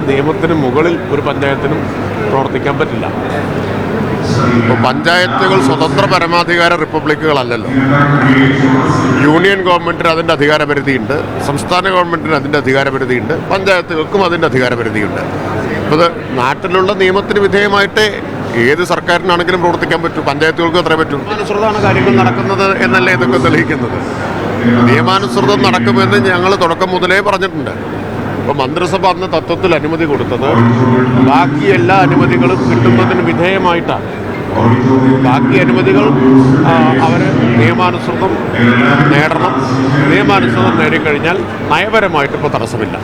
നിയമത്തിന് മുകളിൽ ഒരു പഞ്ചായത്തിനും പ്രവർത്തിക്കാൻ പറ്റില്ല. ഇപ്പോൾ പഞ്ചായത്തുകൾ സ്വതന്ത്ര പരമാധികാര റിപ്പബ്ലിക്കുകളല്ലല്ലോ. യൂണിയൻ ഗവൺമെൻറ്റിന് അതിൻ്റെ അധികാരപരിധിയുണ്ട്, സംസ്ഥാന ഗവൺമെൻറ്റിന് അതിൻ്റെ അധികാരപരിധിയുണ്ട്, പഞ്ചായത്തുകൾക്കും അതിൻ്റെ അധികാരപരിധിയുണ്ട്. അപ്പോൾ ഇത് നാട്ടിലുള്ള നിയമത്തിന് വിധേയമായിട്ടേ ഏത് സർക്കാരിനാണെങ്കിലും പ്രവർത്തിക്കാൻ പറ്റൂ, പഞ്ചായത്തുകൾക്കും അത്രേ പറ്റൂ. നിയമാനുസൃതമാണ് കാര്യങ്ങൾ നടക്കുന്നത് എന്നല്ലേ ഇതൊക്കെ തെളിയിക്കുന്നത്. നിയമാനുസൃതം നടക്കുമെന്ന് ഞങ്ങൾ തുടക്കം മുതലേ പറഞ്ഞിട്ടുണ്ട്. ഇപ്പോൾ മന്ത്രിസഭ അന്ന് തത്വത്തിൽ അനുമതി കൊടുത്തത് ബാക്കി എല്ലാ അനുമതികളും കിട്ടുന്നതിന് വിധേയമായിട്ടാണ്. ബാക്കി അനുമതികൾ അവർ നിയമാനുസൃതം നേടണം. നിയമാനുസൃതം നേടിക്കഴിഞ്ഞാൽ നയപരമായിട്ട് ഇപ്പോൾ തടസ്സമില്ല.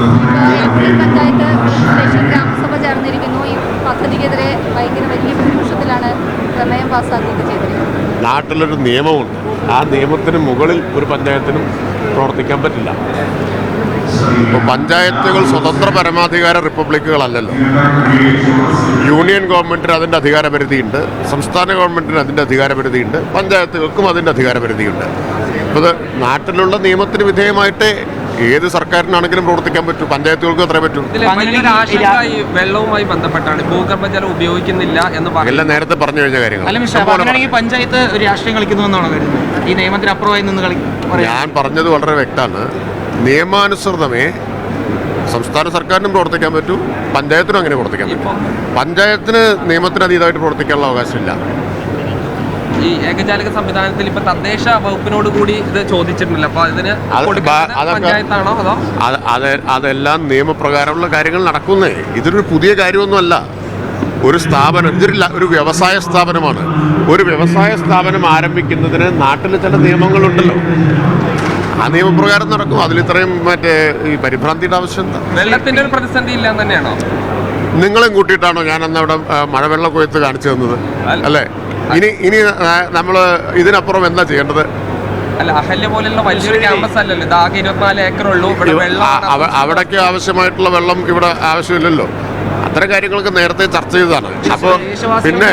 ഗ്രാമസഭ ചേർന്നിരിക്കുന്നു. ഈ പദ്ധതിക്കെതിരെ ഭയങ്കര വലിയ ഭൂരിപക്ഷത്തിലാണ് പ്രമേയം പാസ്സാക്കുകയൊക്കെ ചെയ്തിരിക്കുന്നത്. നാട്ടിലൊരു നിയമമുണ്ട്. ആ നിയമത്തിന് മുകളിൽ ഒരു പഞ്ചായത്തിനും പ്രവർത്തിക്കാൻ പറ്റില്ല. ഇപ്പോൾ പഞ്ചായത്തുകൾ സ്വതന്ത്ര പരമാധികാര റിപ്പബ്ലിക്കുകളല്ലല്ലോ. യൂണിയൻ ഗവൺമെൻറ്റിന് അതിൻ്റെ അധികാരപരിധിയുണ്ട്, സംസ്ഥാന ഗവൺമെൻറ്റിന് അതിൻ്റെ അധികാരപരിധിയുണ്ട്, പഞ്ചായത്തുകൾക്കും അതിൻ്റെ അധികാരപരിധിയുണ്ട്. അപ്പോൾ ഇത് നാട്ടിലുള്ള നിയമത്തിന് വിധേയമായിട്ടേ ഏത് സർക്കാരിനാണെങ്കിലും പ്രവർത്തിക്കാൻ പറ്റൂ, പഞ്ചായത്തുകൾക്കും അത്രേ പറ്റൂ. വെള്ളവുമായി ബന്ധപ്പെട്ടാണ് ഭൂഗർഭജലം ഉപയോഗിക്കുന്നില്ല എന്ന് എല്ലാം നേരത്തെ പറഞ്ഞു കഴിഞ്ഞ കാര്യങ്ങൾ. പഞ്ചായത്ത് ഒരു രാഷ്ട്രീയം കളിക്കുന്നു എന്നാണ് കരുതുന്നത്. ഈ നിയമത്തിന് അപ്പുറമായി നിന്ന് ഞാൻ പറഞ്ഞത് വളരെ വ്യക്തമാണ്. നിയമാനുസൃതമേ സംസ്ഥാന സർക്കാരിനും പ്രവർത്തിക്കാൻ പറ്റൂ, പഞ്ചായത്തിനും അങ്ങനെ പ്രവർത്തിക്കാൻ പറ്റും. പഞ്ചായത്തിന് നിയമത്തിന് അതീതമായിട്ട് പ്രവർത്തിക്കാനുള്ള അവകാശമില്ല. ഈ ഏകജാലക സംവിധാനത്തിൽ ഇപ്പൊ തദ്ദേശ വകുപ്പിനോട് കൂടി ഇത് ചോദിച്ചിട്ടുണ്ടല്ലോ. അപ്പൊ ഇതിന് പഞ്ചായത്താണോ അതോ അതെല്ലാം നിയമപ്രകാരമുള്ള കാര്യങ്ങൾ നടക്കുന്നേ. ഇതൊരു പുതിയ കാര്യമൊന്നുമല്ല. ഒരു സ്ഥാപനം, ഒരു വ്യവസായ സ്ഥാപനമാണ്. ഒരു വ്യവസായ സ്ഥാപനം ആരംഭിക്കുന്നതിന് നാട്ടിൽ ചില നിയമങ്ങളുണ്ടല്ലോ. ആ നിയമപ്രകാരം നടക്കും. അതിലിത്രയും ഈ പരിഭ്രാന്തിയുടെ ആവശ്യം എന്താ? വെള്ളത്തിന്റെ ഒരു പ്രതിസന്ധി ഇല്ല തന്നെയാണോ? നിങ്ങളെയും കൂട്ടിയിട്ടാണോ ഞാൻ അന്ന് അവിടെ മഴവെള്ള കൊയ്ത്ത് കാണിച്ചു തന്നത് അല്ലേ? ഇനി നമ്മൾ ഇതിനപ്പുറം എന്താ ചെയ്യേണ്ടത്? അല്ല, അഹല്യ പോലുള്ള വലിയൊരു ക്യാമ്പസ് അല്ലല്ലോ. ഇത് ആകെ 24 ഏക്കറുള്ളൂ. അവിടേക്ക് ആവശ്യമായിട്ടുള്ള വെള്ളം ഇവിടെ ആവശ്യമില്ലല്ലോ. അത്തരം കാര്യങ്ങളൊക്കെ നേരത്തെ ചർച്ച ചെയ്തതാണ്. അപ്പോൾ പിന്നെ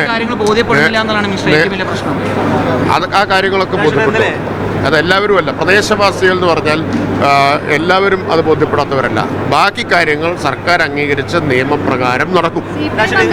ആ കാര്യങ്ങളൊക്കെ ബോധ്യപ്പെട്ടു. അതെല്ലാവരും അല്ല, പ്രദേശവാസികൾ എന്ന് പറഞ്ഞാൽ എല്ലാവരും അത് ബോധ്യപ്പെടാത്തവരല്ല. ബാക്കി കാര്യങ്ങൾ സർക്കാർ അംഗീകരിച്ച നിയമപ്രകാരം നടക്കും.